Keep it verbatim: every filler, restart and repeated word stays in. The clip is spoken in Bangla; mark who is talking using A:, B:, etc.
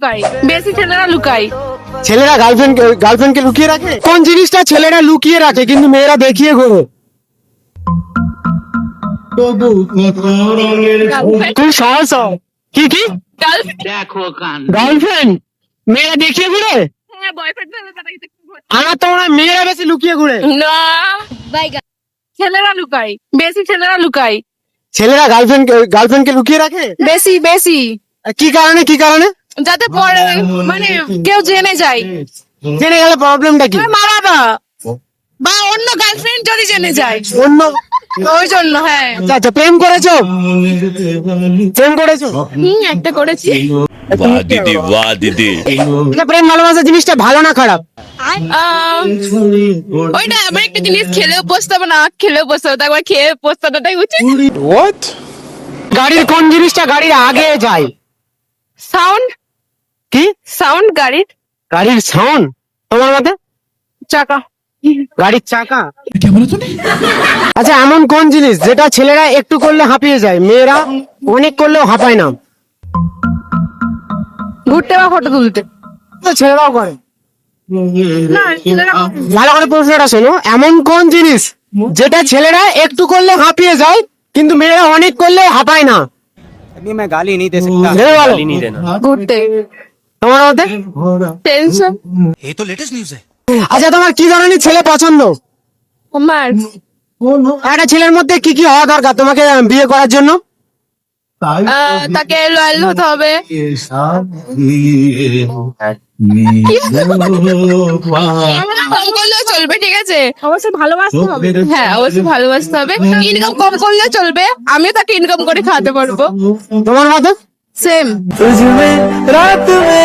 A: লুকাই, বেশি ছেলেরা লুকাই।
B: ছেলেরা গার্লফ্রেন্ড গার্লফ্রেন্ডকে লুকিয়ে রাখে? কোন জিনিসটা ছেলেরা লুকিয়ে রাখে কিন্তু মেয়েরা দেখিয়ে ঘোরে? তুই সহজ হ। কি কি গার্লফ্রেন্ড মেয়েরা দেখিয়ে ঘুরে?
A: হ্যাঁ, বয়ফ্রেন্ড
B: আমার তো মনে হয় মেয়েরা বেশি লুকিয়ে ঘুরে।
A: না, ছেলেরা লুকাই, বেশি ছেলেরা লুকাই।
B: ছেলেরা গার্লফ্রেন্ড গার্লফ্রেন্ডকে লুকিয়ে রাখে?
A: বেশি বেশি
B: কি কারণে কি কারণে?
A: যাতে পরে মানে কেউ জেনে যায়,
B: জেনে গেলে প্রবলেমটা কি?
A: মা বাবা বা অন্য গার্লফ্রেন্ড যদি জেনে যায়,
B: অন্য
A: ওই জন্য। হ্যাঁ,
B: আচ্ছা আচ্ছা, প্রেম করেছো? প্রেম করেছো?
A: হুম, একটা করেছি।
C: वाह दीदी वाह दीदी
B: এটা প্রেম ভালোবাসা জিনিসটা ভালো না খারাপ?
A: আহ, ওইটা এমন একটা জিনিস, খেলেও পস্তাবো না খেলেও পস্তাবো, তারপর খেয়ে পস্তানোটাই উচিত।
B: গাড়ির কোন জিনিসটা গাড়ির আগে যায়?
A: সাউন্ড,
B: কি?
A: সাউন্ড গাড়ির
B: গাড়ির সাউন্ড? তোমার মতে?
A: চাকা।
B: গাড়ির চাকা? আচ্ছা, এমন কোন জিনিস যেটা ছেলেরা একটু করলে হাঁপিয়ে যায়, মেয়েরা অনেক করলেও হাঁপায় না?
A: ঘুরতে বা ফটো তুলতে।
B: তো ছেলেরাও করে।
A: না, ছেলেরা
B: ভালো করে প্রশ্নটা শোনো, এমন কোন জিনিস যেটা ছেলেরা একটু করলে হাঁপিয়ে যায় কিন্তু মেয়েরা অনেক করলে হাঁপায় না?
D: अभी मैं गाली नहीं दे सकता
B: ভেবে বলো।
D: गाली नहीं देना
A: ঘুরতে।
B: তোমার মতে?
A: টেনশন।
C: ये तो लेटेस्ट न्यूज है
B: আচ্ছা, তোমার কি ধরনের ছেলে পছন্দ?
A: আমার
B: একটা ছেলের মধ্যে কি কি হওয়া দরকার তোমাকে বিয়ে করার জন্য?
A: আহ, তাকে লয়াল হতে হবে। কম করলেও চলবে, ঠিক আছে? অবশ্যই ভালোবাসতে হবে। হ্যাঁ, অবশ্যই ভালোবাসতে হবে। ইনকাম কম করলেও চলবে, আমিও তাকে ইনকাম করে খাওয়াতে পারবো।
B: তোমার মতে?
A: সেম।
B: রাত